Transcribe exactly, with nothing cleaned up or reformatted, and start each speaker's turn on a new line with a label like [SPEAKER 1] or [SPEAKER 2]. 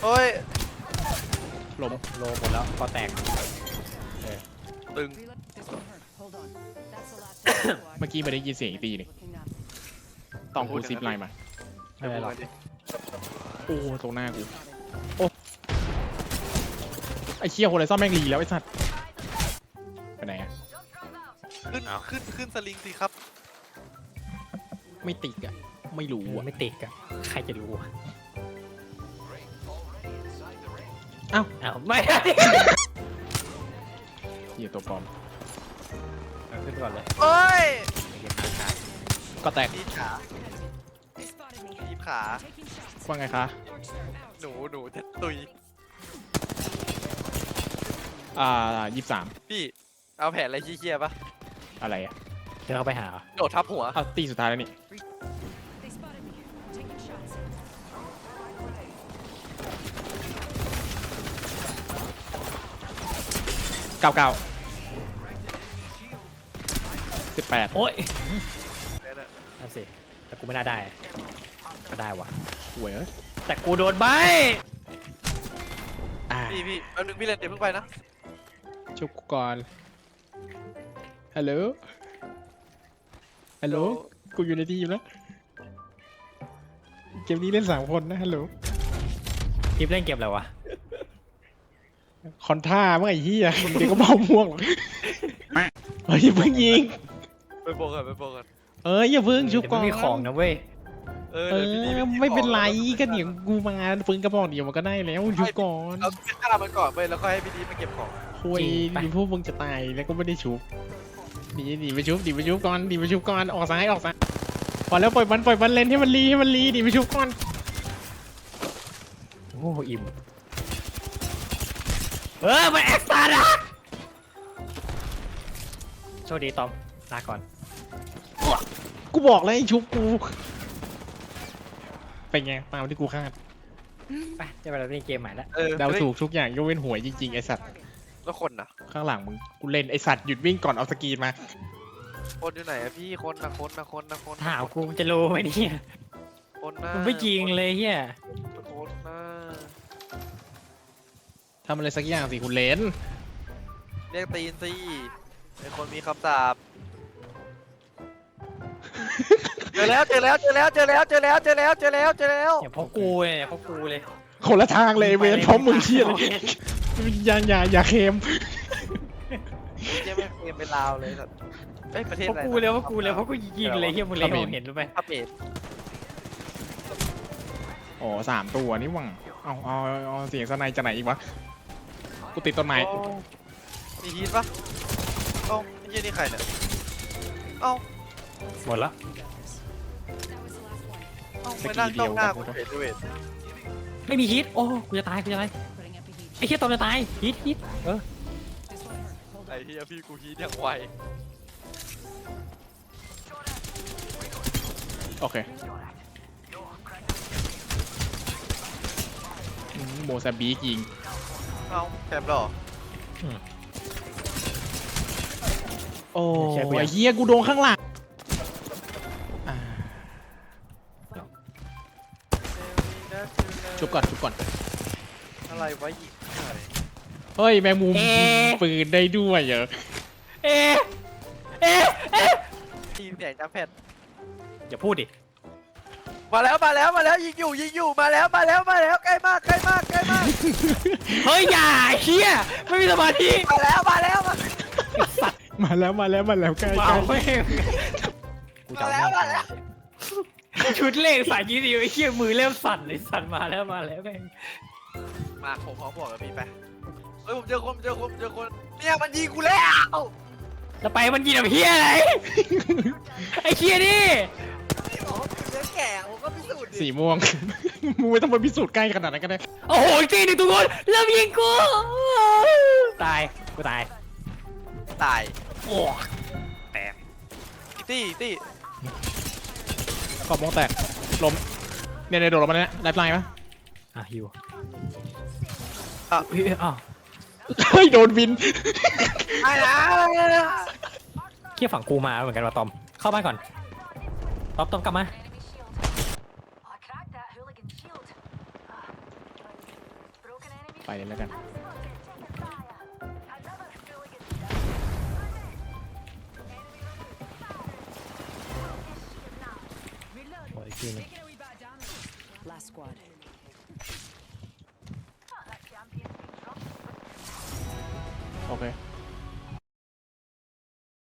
[SPEAKER 1] โอ้ย
[SPEAKER 2] ล้มโลหมดแล้วก็แตก
[SPEAKER 1] ตึง
[SPEAKER 3] เมื่อกี้ไม่ได้ยินเสียงอีกตีนี่ต้องกูซิปไลน์มา
[SPEAKER 2] ไม่เป็นไรหรอก
[SPEAKER 3] โอ้ตรงหน้ากูโอ้ไอ้เชี่ยโฮไรซ่อนแม่งรีแล้วไอ้สัตว์ไปไหนอะ
[SPEAKER 1] ขึ้นขึ้นขึ้นสลิงสิครับ
[SPEAKER 3] ไม่ติดอะไม่รู้อะ
[SPEAKER 2] ไม่ติดอะใครจะรู้อะ
[SPEAKER 3] อ้าว
[SPEAKER 2] อ้าวไม่
[SPEAKER 3] เหี้ยตัวปลอม
[SPEAKER 2] ขึ้นก่อนเลย
[SPEAKER 1] โอ้ย
[SPEAKER 3] ก็แตก
[SPEAKER 1] ทีขาทีขา
[SPEAKER 3] ว่าไงคะ
[SPEAKER 1] หนูหนูจะตุย
[SPEAKER 3] อ่ายี่สิบสาม
[SPEAKER 1] พี่เอาแผนอะไรขี้เกียจปะ
[SPEAKER 3] อะไรอะ
[SPEAKER 2] เดี๋ยวเขาไปหา
[SPEAKER 1] โดดทับหัว
[SPEAKER 3] อ้าวตีสุดท้ายแล้วนี่เก้าเก้าสิบแปด
[SPEAKER 2] โอ๊ย
[SPEAKER 1] เนี่ยนะ
[SPEAKER 2] นั่นสิแต่กูไม่น่าได้ก็ได้วะ
[SPEAKER 3] หวยเอ้ย
[SPEAKER 2] แต่กูโดนใบ
[SPEAKER 3] อ่า
[SPEAKER 1] พี่พี่แป๊บนึงพี่เล่นเดี๋ยวเพิ่งไปนะ
[SPEAKER 3] ชุบกูก่อนฮัลโหลฮัลโหลกูอยู่ในทีมแล้วเกมนี้เล่นสามคนนะฮัลโหล
[SPEAKER 2] คลิปเล่นเกมอะไรวะ
[SPEAKER 3] คอนท่าเมื่อไอ้เหี้ยเดี๋ยวก็เมาม่วงหรอกเฮ้ยอย่าเพิ่งยิง
[SPEAKER 1] ไปโบกันไปโบกัน
[SPEAKER 3] เอ้ยอย่าเพิ่งชุบ
[SPEAKER 2] เดี๋ยว
[SPEAKER 3] ก่อน
[SPEAKER 2] ไม่มีของนะเว้ย
[SPEAKER 1] เออ
[SPEAKER 3] เอ
[SPEAKER 1] เดี๋ยวพี่
[SPEAKER 3] อ
[SPEAKER 1] พี่
[SPEAKER 3] ไม่เป็นไรก็เดี๋ยวกูมาปืนกระบอกเดียวมันก็ได้แล้วชุบก่อน
[SPEAKER 1] เราไปฆ่ามันก่อนไปแล้วก็ให้พี่ดีมาเก็บของ
[SPEAKER 3] คุยดีพวกมึงจะตายแล้วก็ไม่ได้ชุบดีดีไปชุบดีไปชุบก่อนดีไปชุบก่อนออกซ้ายออกซ้ายพอแล้วปล่อยมันปล่อยมันเล่นให้มันรีให้มันรีดีไปชุบก่อน
[SPEAKER 2] โอ้อิ่มเออมันแอคตาร์ดโชคดีตอมลาก่อน
[SPEAKER 3] กูบอกแล้วไอ้ชุบกูเป็นไงตามที่กูคาด
[SPEAKER 2] ไปจะไปเราเล่นเกมใหม่แล้ว
[SPEAKER 1] เออ
[SPEAKER 3] เดาถูกทุกอย่างยกเว้นหวยจริงๆไอสัตว์
[SPEAKER 1] แล้วคนน่ะ
[SPEAKER 3] ข้างหลังมึงกูเล่นไอสัตว์หยุดวิ่งก่อนเอาสกรีนมา
[SPEAKER 1] คนอยู่ไหนอะพี่คนนะคนนะคนนะคน
[SPEAKER 2] ถามกูจะรู้ไหมเนี่ย
[SPEAKER 1] คนนะ
[SPEAKER 2] มันไม่จริงเลยเฮีย
[SPEAKER 1] คนนะ
[SPEAKER 3] ทำอะไรสักอย่างสิคุณเลน
[SPEAKER 1] เรียกตีนสิเป็นคนมีคำสาปเจอแล้วเจอแล้วเจอแล้วเจอแล้วเจอแล้วเจอแล้วเจอแล้วเจอแล้ว
[SPEAKER 2] อย่าเพราะกูเลยอย่าเพราะกูเลย
[SPEAKER 3] คนละทางเลยเวรพร้อมมึงเชี่ยเลยอย่าอย่าอย่าเค็ม
[SPEAKER 1] เจ๊ไม่เกมเป็นลาวเลยสัตว์เอ้ยประเทศ
[SPEAKER 2] เพราะ
[SPEAKER 1] อะไร
[SPEAKER 2] กูเลยเพราะกูเลยเพราะกูยิงเลยเฮียมึงเลยมองเห็นรู้ไหม
[SPEAKER 1] พับเอ็ด
[SPEAKER 3] อ๋อสามตัวนี่หวังเอาเอาเอาเสียงสไนจะไหนอีกวะกูติดต้นไม้
[SPEAKER 1] มีฮีทปะเอ้าไอ้เหี้ยนี่ใครเนี่ยเอ้า
[SPEAKER 2] หมดละ
[SPEAKER 1] เอ้าไปนั่งจ้องหน้ากูเฉยด้วย
[SPEAKER 2] ไม่มีฮิตโอ้กูจะตายกูจะตายไอ้เฮียตอมจะตายฮิตฮิตเออ
[SPEAKER 1] ไอ้เหี้ยพี่กูฮีทอย่างไว
[SPEAKER 3] โอเคอืมโมซาบิกยิง
[SPEAKER 1] เอ้าแคมป์หรอ
[SPEAKER 3] โอ้ยเฮียกูโดนข้างหลังอ่าชุบก่อนชุบก่อน
[SPEAKER 1] อะไรวะยิงอะไร
[SPEAKER 3] เฮ้ยแมงมุมปืนได้ด้วยเหรอ
[SPEAKER 2] เอ๊ะเอ๊ะเอ๊ะ
[SPEAKER 1] ทีมแข่งจ้าแพท
[SPEAKER 2] อย่าพูดดิ
[SPEAKER 1] มาแล้วมาแล้วมาแล้วยิงอยู่ยิงอยู่มาแล้วมาแล้วมาแล้วใกล้มากใกล้มากใกล้มาก
[SPEAKER 2] เฮ้ยอย่าเฮียไม่มีสมาธิ
[SPEAKER 1] มาแล้วมาแล้วมา
[SPEAKER 3] มาแล้วมาแล้วมาแล้วใกล้
[SPEAKER 2] ว้า
[SPEAKER 3] ใกล้ว
[SPEAKER 2] แม่งกูจะเอาแม่งชุดเลขสายยี่สิบไอ้เฮียมือเริ่มสั่นเลยสั่นมาแล้วมาแล้วแม่ง
[SPEAKER 1] มาผมขอบอกกับพี่ไปเฮ้ยผมเจอคนผมเจอคนผมเจอคนเนี่ยมันยิงกูแล้ว
[SPEAKER 2] จะไปมันกินแบบเฮียอะไรไอ้เฮียนี่
[SPEAKER 1] พี่บอกว่าผมเจอแก่ผมก็พิสูจน์ดิ
[SPEAKER 3] สีม่วง มึงไม่ต้องมาพิสูจน์ใกล้ขนาดนั้นก็ได้
[SPEAKER 2] โอ้โหจริงดิทุกคนเริ่มยิงกูตายกูตาย
[SPEAKER 1] ตาย
[SPEAKER 2] โอ้แตก
[SPEAKER 1] ตี้ตี้
[SPEAKER 3] กรอบมองแตกล้มเนี่ยเนี่ยโดดลงมาเนี่ยไลฟ์ไลน์ปะ
[SPEAKER 2] อ่ะฮิว
[SPEAKER 1] อ่ะ
[SPEAKER 2] เฮ้ยอ้าว
[SPEAKER 3] เฮ้ยโดนบิน
[SPEAKER 1] ไอ้นะ
[SPEAKER 2] เคี่ยฝั่งกูมาเหมือนกันว่ะตอมเข้าบ้านก่อนตอมตอมกลับมา
[SPEAKER 3] ไปเลยแล้วกัน
[SPEAKER 2] โอ้ยทีนึง
[SPEAKER 4] Last squad.